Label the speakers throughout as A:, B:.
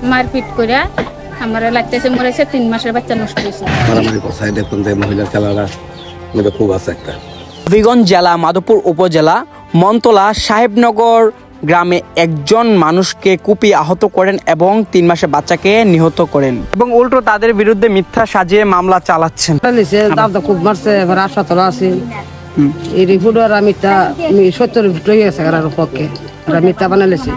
A: মারপিট করে আমার লাগতেছে মরেছে 3 মাসের বাচ্চা নষ্ট হয়েছে।
B: মারামারি করছে দেখুন যে মহিলার খেলাটা মধ্যে খুব আছে একটা।
C: হবিগঞ্জ জেলা মাধবপুর উপজেলা মনতলা সাহেবনগর গ্রামে একজন মানুষকে কুপিয়ে আহত করেন এবং 3 মাসের বাচ্চাকে নিহত করেন এবং উল্টো তাদের বিরুদ্ধে মিথ্যা সাজিয়ে মামলা চালাচ্ছেন।
D: খুব মারছে, এবার হাসপাতাল আছে এই রিপোর্ট আর মিথ্যা 70 রিপোর্ট হয়ে গেছে আর পক্ষে মিথ্যা বানাইছে।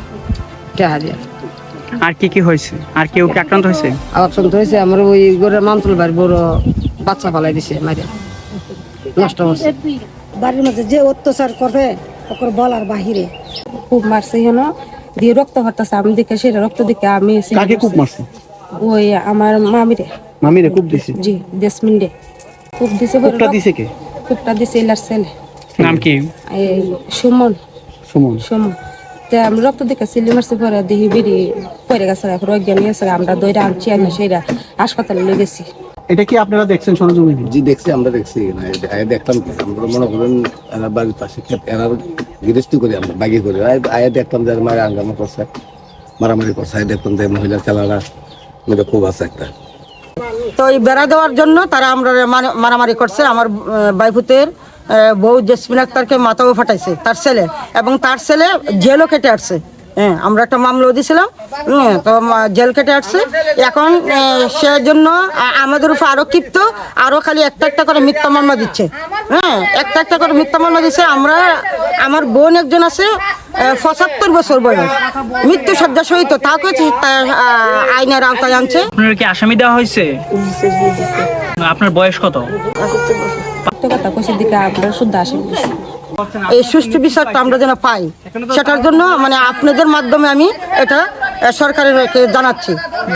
C: আর কি হয়েছে? আর কেউ কি আক্রান্ত হয়েছে?
D: আক্রান্ত হয়েছে আমার ওই ঘরের মামতুল বাড়ি বড় বাচ্চা ফালাই দিছে, মাইরে নষ্ট হচ্ছে।
E: বাড়ির মধ্যে যে অত্যাচার করে ওকে বলার বাহিরে খুব মারছে হেন দিয়ে রক্ত হতাছে। আমি দেখে সেটা রক্ত দেখে আমি
C: খুব মারছে
E: ওই আমার মামিরে
C: খুব দিছে।
E: জি দেশমিন্ডে খুব দিছে। খুবটা দিছে এলার ছেলে।
C: নাম কি?
E: এই সুমন। তা আমি রক্ত দেখে সিলি মারছে পরে দেখি বেরিয়ে পড়ে গেছে, অজ্ঞান হয়ে গেছে। আমরা দইটা আনছি আনি সেটা হাসপাতালে নিয়ে গেছি।
C: এটা কি আপনারা দেখছেন সরজমিনে?
B: জি দেখছি, আমরা দেখছি দেখলাম কি আমরা মনে করেন এনার বাড়ির পাশে এনার গৃহস্থী করি আমরা বাগি করি আয়া দেখলাম যে মায়ের আঙ্গামা করছে, মারামারি করছে দেখুন যে মহিলার খেলাটা মধ্যে খুব আছে একটা।
D: তো এই বেড়া দেওয়ার জন্য তারা আমরা মারামারি করছে। আমার বাইফুতের বউ জেসমিন আক্তারকে মাথাও ফাটাইছে তার ছেলে, এবং তার ছেলে জেলও কেটে আসছে। হ্যাঁ, আমরা একটা মামলাও দিয়েছিলাম, তো জেল কেটে আসছে। এখন সেজন্য আমাদের উপর আরো ক্ষিপ্ত, আরো খালি একটা করে মিথ্যা মামলা দিচ্ছে। হ্যাঁ, একটা করে মিথ্যা মামলা দিচ্ছে। আমার বোন একজন আছে 75 বছর বয়স, মৃত্যু শয্যা সহিত, তাকে আইনের আওতায় আনছে।
C: আপনার কি আসামি দেওয়া হয়েছে? আপনার বয়স কত?
E: কথা কইছে দিকে আমরা শুদ্ধ আসামি দিছি।
D: এই সুষ্ঠু বিচারটা আমরা যেন পাই, সেটার জন্য মানে আপনাদের মাধ্যমে আমি এটা সরকারের জানাচ্ছি।